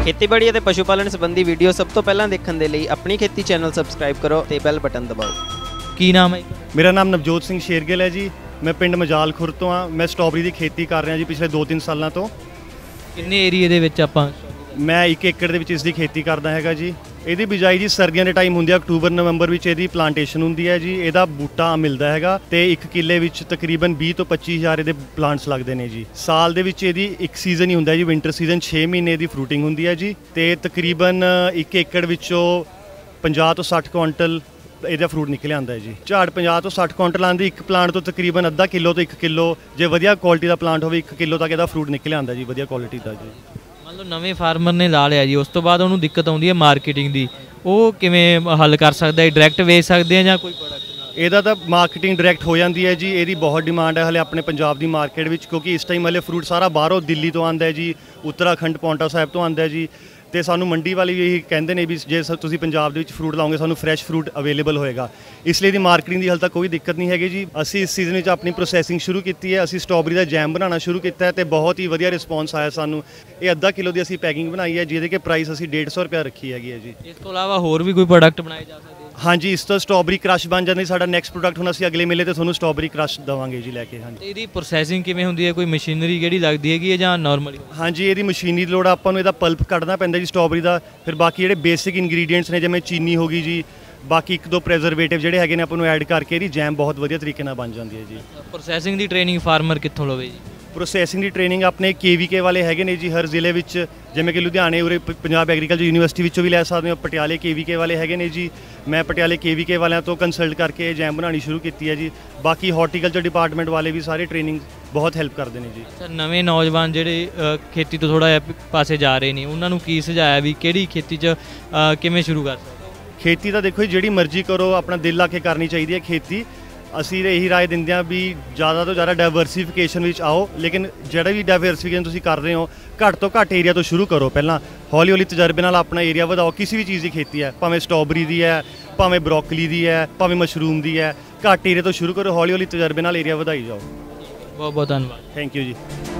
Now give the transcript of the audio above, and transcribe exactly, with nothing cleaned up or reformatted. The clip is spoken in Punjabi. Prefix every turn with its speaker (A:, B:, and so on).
A: ਖੇਤੀਬਾੜੀ ਅਤੇ ਪਸ਼ੂ ਪਾਲਣ ਸੰਬੰਧੀ ਵੀਡੀਓ ਸਭ ਤੋਂ ਪਹਿਲਾਂ ਦੇਖਣ ਦੇ ਲਈ ਆਪਣੀ ਖੇਤੀ ਚੈਨਲ ਸਬਸਕ੍ਰਾइब ਕਰੋ ਤੇ ਬੈਲ ਬਟਨ ਦਬਾਓ।
B: ਕੀ ਨਾਮ ਹੈ?
C: ਮੇਰਾ ਨਾਮ ਨਵਜੋਤ ਸਿੰਘ ਸ਼ੇਰਗਿੱਲ ਹੈ ਜੀ। ਮੈਂ ਪਿੰਡ ਮਜਾਲ ਖੁਰ ਤੋਂ ਹਾਂ। ਮੈਂ ਸਟ੍ਰਾਬੇਰੀ ਦੀ ਖੇਤੀ ਕਰ ਰਿਹਾ ਜੀ ਪਿਛਲੇ ਦੋ ਤਿੰਨ ਸਾਲਾਂ ਤੋਂ।
B: ਕਿੰਨੇ ਏਰੀਏ ਦੇ ਵਿੱਚ ਆਪਾਂ?
C: ਮੈਂ ਇੱਕ ਏਕੜ ਦੇ ਵਿੱਚ ਇਸ ਦੀ ਖੇਤੀ ਕਰਦਾ ਹੈਗਾ ਜੀ। ਇਹਦੀ ਬਿਜਾਈ ਜੀ ਸਰਦੀਆਂ ਦੇ ਟਾਈਮ ਹੁੰਦੀ ਹੈ, ਅਕਤੂਬਰ ਨਵੰਬਰ ਵਿੱਚ ਇਹਦੀ ਪਲਾਂਟੇਸ਼ਨ ਹੁੰਦੀ ਹੈ ਜੀ। ਇਹਦਾ ਬੂਟਾ ਮਿਲਦਾ ਹੈਗਾ ਤੇ ਇੱਕ ਕਿੱਲੇ ਵਿੱਚ ਤਕਰੀਬਨ ਵੀਹ ਤੋਂ ਪੱਚੀ ਹਜ਼ਾਰ ਇਹਦੇ ਪਲਾਂਟਸ ਲੱਗਦੇ ਨੇ ਜੀ। ਸਾਲ ਦੇ ਵਿੱਚ ਇਹਦੀ ਇੱਕ ਸੀਜ਼ਨ ਹੀ ਹੁੰਦਾ ਜੀ, ਵਿੰਟਰ ਸੀਜ਼ਨ। ਛੇ ਮਹੀਨੇ ਦੀ ਫਰੂਟਿੰਗ ਹੁੰਦੀ ਹੈ ਜੀ ਤੇ ਤਕਰੀਬਨ ਇੱਕ ਏਕੜ ਵਿੱਚੋਂ ਪੰਜਾਹ ਤੋਂ ਸੱਠ ਕੁਆਂਟਲ ਇਹਦਾ ਫਰੂਟ ਨਿਕਲ ਆਉਂਦਾ ਹੈ ਜੀ। ਝਾੜ ਪੰਜਾਹ ਤੋਂ ਸੱਠ ਕੁਆਂਟਲ ਆਉਂਦੀ, ਇੱਕ ਪਲਾਂਟ ਤੋਂ ਤਕਰੀਬਨ ਅੱਧਾ ਕਿਲੋ ਤੋਂ ਇੱਕ ਕਿਲੋ, ਜੇ ਵਧੀਆ ਕੁਆਲਿਟੀ ਦਾ ਪਲਾਂਟ ਹੋਵੇ ਇੱਕ ਕਿਲੋ ਤੱਕ ਇਹਦਾ ਫਰੂਟ ਨਿਕਲ ਆਉਂਦਾ ਜੀ, ਵਧੀਆ ਕੁਆਲਿਟੀ ਦਾ ਜੀ।
B: ਮੰਨ ਲਓ ਨਵੇਂ ਫਾਰਮਰ ਨੇ ਲਾ ਲਿਆ ਜੀ, ਉਸ ਤੋਂ ਬਾਅਦ ਉਹਨੂੰ ਦਿੱਕਤ ਆਉਂਦੀ ਹੈ ਮਾਰਕੀਟਿੰਗ ਦੀ, ਉਹ ਕਿਵੇਂ ਹੱਲ ਕਰ ਸਕਦਾ ਹੈ? ਡਾਇਰੈਕਟ ਵੇਚ ਸਕਦੇ ਆ ਜਾਂ ਕੋਈ ਪ੍ਰੋਡਕਟ?
C: ਇਹਦਾ ਤਾਂ ਮਾਰਕੀਟਿੰਗ ਡਾਇਰੈਕਟ ਹੋ ਜਾਂਦੀ ਹੈ ਜੀ। ਇਹਦੀ ਬਹੁਤ ਡਿਮਾਂਡ ਹੈ ਹਲੇ ਆਪਣੇ ਪੰਜਾਬ ਦੀ ਮਾਰਕੀਟ ਵਿੱਚ, ਕਿਉਂਕਿ ਇਸ ਟਾਈਮ ਹਲੇ ਫਰੂਟ ਸਾਰਾ ਬਾਹਰੋਂ ਦਿੱਲੀ ਤੋਂ ਆਉਂਦਾ ਹੈ ਜੀ, ਉੱਤਰਾਖੰਡ ਪੌਂਟਾ ਸਾਹਿਬ ਤੋਂ ਆਉਂਦਾ ਹੈ ਜੀ। ਤੇ ਸਾਨੂੰ ਮੰਡੀ ਵਾਲੇ ਵੀ ਇਹੀ ਕਹਿੰਦੇ ਨੇ ਵੀ ਜੇ ਤੁਸੀਂ ਪੰਜਾਬ ਦੇ ਵਿੱਚ ਫਰੂਟ ਲਾਓਗੇ ਸਾਨੂੰ ਫਰੈਸ਼ ਫਰੂਟ ਅਵੇਲੇਬਲ ਹੋਏਗਾ। ਇਸ ਲਈ ਦੀ ਮਾਰਕੀਟਿੰਗ ਦੀ ਹਾਲੇ ਤੱਕ ਕੋਈ ਦਿੱਕਤ ਨਹੀਂ ਹੈਗੀ ਜੀ। ਅਸੀਂ ਇਸ ਸੀਜ਼ਨ ਵਿੱਚ ਆਪਣੀ ਪ੍ਰੋਸੈਸਿੰਗ ਸ਼ੁਰੂ ਕੀਤੀ ਹੈ। ਅਸੀਂ ਸਟ੍ਰਾਬੇਰੀ ਦਾ ਜੈਮ ਬਣਾਉਣਾ ਸ਼ੁਰੂ ਕੀਤਾ ਹੈ ਤੇ ਬਹੁਤ ਹੀ ਵਧੀਆ ਰਿਸਪੌਂਸ ਆਇਆ ਸਾਨੂੰ। ਇਹ ਅੱਧਾ ਕਿਲੋ ਦੀ ਅਸੀਂ ਪੈਕਿੰਗ ਬਣਾਈ ਹੈ, ਜਿਹਦੇ ਕਿ ਪ੍ਰਾਈਸ ਅਸੀਂ ਡੇਢ ਸੌ ਰੁਪਇਆ ਰੱਖੀ ਹੈਗੀ ਹੈ ਜੀ।
B: ਇਸ ਤੋਂ ਇਲਾਵਾ ਹੋਰ ਵੀ ਕੋਈ ਪ੍ਰੋਡਕਟ ਬਣਾਏ ਜਾ ਸਕਦੇ?
C: ਹਾਂਜੀ, ਇਸ ਤੋਂ ਸਟ੍ਰਾਬੇਰੀ ਕ੍ਰਸ਼ ਬਣ ਜਾਂਦੀ। ਸਾਡਾ ਨੈਕਸਟ ਪ੍ਰੋਡਕਟ ਹੁਣ ਅਸੀਂ ਅਗਲੇ ਮੇਲੇ ਤੇ ਤੁਹਾਨੂੰ ਸਟ੍ਰਾਬੇਰੀ ਕ੍ਰਸ਼ ਦੇਵਾਂਗੇ ਜੀ ਲੈ ਕੇ। ਹਾਂਜੀ,
B: ਇਹਦੀ ਪ੍ਰੋਸੈਸਿੰਗ ਕਿਵੇਂ ਹੁੰਦੀ ਹੈ? ਕੋਈ ਮਸ਼ੀਨਰੀ ਕਿਹੜੀ ਲੱਗਦੀ ਹੈਗੀ ਹੈ ਜਾਂ ਨਾਰਮਲੀ?
C: ਹਾਂਜੀ, ਇਹਦੀ ਮਸ਼ੀਨਰੀ ਦੀ ਲੋੜ ਆ। ਆਪਾਂ ਨੂੰ ਇਹਦਾ ਪਲਪ ਕੱਢਣਾ ਪੈਂਦਾ ਜੀ ਸਟ੍ਰਾਬੇਰੀ ਦਾ। ਫਿਰ ਬਾਕੀ ਜਿਹੜੇ ਬੇਸਿਕ ਇੰਗਰੀਡੀਐਂਟਸ ਨੇ ਜਿਵੇਂ ਚੀਨੀ ਹੋ ਗਈ ਜੀ, ਬਾਕੀ ਇੱਕ ਦੋ ਪ੍ਰੀਜ਼ਰਵੇਟਿਵ ਜਿਹੜੇ ਹੈਗੇ ਨੇ ਆਪਾਂ ਨੂੰ ਐਡ ਕਰਕੇ ਇਹਦੀ ਜੈਮ ਬਹੁਤ ਵਧੀਆ ਤਰੀਕੇ ਨਾਲ ਬਣ ਜਾਂਦੀ ਹੈ ਜੀ।
B: ਪ੍ਰੋਸੈਸਿੰਗ ਦੀ ਟ੍ਰੇਨਿੰਗ ਫਾਰਮਰ ਕਿੱਥੋਂ ਲਵੇ ਜੀ?
C: ਪ੍ਰੋਸੈਸਿੰਗ ਦੀ ਟ੍ਰੇਨਿੰਗ ਆਪਣੇ ਕੇ ਵੀ ਕੇ ਵਾਲੇ ਹੈਗੇ ਨੇ ਜੀ ਹਰ ਜ਼ਿਲ੍ਹੇ ਵਿੱਚ, ਜਿਵੇਂ ਕਿ ਲੁਧਿਆਣੇ ਉਰੇ ਪੰਜਾਬ ਐਗਰੀਕਲਚਰ ਯੂਨੀਵਰਸਿਟੀ ਵਿੱਚੋਂ ਵੀ ਲੈ ਸਕਦੇ ਹੋ। ਪਟਿਆਲੇ ਕੇ ਵੀ ਕੇ ਵਾਲੇ ਹੈਗੇ ਨੇ ਜੀ। ਮੈਂ ਪਟਿਆਲੇ ਕੇ ਵੀ ਕੇ ਵਾਲਿਆਂ ਤੋਂ ਕੰਸਲਟ ਕਰਕੇ ਜੈਮ ਬਣਾਉਣੀ ਸ਼ੁਰੂ ਕੀਤੀ ਹੈ ਜੀ। ਬਾਕੀ ਹਾਰਟੀਕਲਚਰ ਡਿਪਾਰਟਮੈਂਟ ਵਾਲੇ ਵੀ ਸਾਰੇ ਟ੍ਰੇਨਿੰਗ ਬਹੁਤ ਹੈਲਪ ਕਰਦੇ ਨੇ ਜੀ।
B: ਅੱਛਾ, ਨਵੇਂ ਨੌਜਵਾਨ ਜਿਹੜੇ ਖੇਤੀ ਤੋਂ ਥੋੜ੍ਹਾ ਜਿਹਾ ਪਾਸੇ ਜਾ ਰਹੇ ਨੇ, ਉਹਨਾਂ ਨੂੰ ਕੀ ਸੁਝਾਇਆ ਵੀ ਕਿਹੜੀ ਖੇਤੀ 'ਚ ਕਿਵੇਂ ਸ਼ੁਰੂ ਕਰ ਸਕਦੇ?
C: ਖੇਤੀ ਤਾਂ ਦੇਖੋ ਜੀ ਜਿਹੜੀ ਮਰਜ਼ੀ ਕਰੋ, ਆਪਣਾ ਦਿਲ ਲਾ ਕੇ ਕਰਨੀ ਚਾਹੀਦੀ ਹੈ ਖੇਤੀ। ਅਸੀਂ ਇਹੀ ਰਾਏ ਦਿੰਦੇ ਹਾਂ ਵੀ ਜ਼ਿਆਦਾ ਤੋਂ ਜ਼ਿਆਦਾ ਡਾਇਵਰਸੀਫਿਕੇਸ਼ਨ ਵਿੱਚ ਆਓ, ਲੇਕਿਨ ਜਿਹੜਾ ਵੀ ਡਾਇਵਰਸੀਫਿਕੇਸ਼ਨ ਤੁਸੀਂ ਕਰ ਰਹੇ ਹੋ ਘੱਟ ਤੋਂ ਘੱਟ ਏਰੀਆ ਤੋਂ ਸ਼ੁਰੂ ਕਰੋ। ਪਹਿਲਾਂ ਹੌਲੀ ਹੌਲੀ ਤਜਰਬੇ ਨਾਲ ਆਪਣਾ ਏਰੀਆ ਵਧਾਓ। ਕਿਸੇ ਵੀ ਚੀਜ਼ ਦੀ ਖੇਤੀ ਹੈ, ਭਾਵੇਂ ਸਟ੍ਰਾਬੇਰੀ ਦੀ ਹੈ, ਭਾਵੇਂ ਬਰੋਕਲੀ ਦੀ ਹੈ, ਭਾਵੇਂ ਮਸ਼ਰੂਮ ਦੀ ਹੈ, ਘੱਟ ਏਰੀਆ ਤੋਂ ਸ਼ੁਰੂ ਕਰੋ। ਹੌਲੀ ਹੌਲੀ ਤਜਰਬੇ ਨਾਲ ਏਰੀਆ ਵਧਾਈ ਜਾਓ।
B: ਬਹੁਤ ਬਹੁਤ ਧੰਨਵਾਦ।
C: ਥੈਂਕ ਯੂ ਜੀ।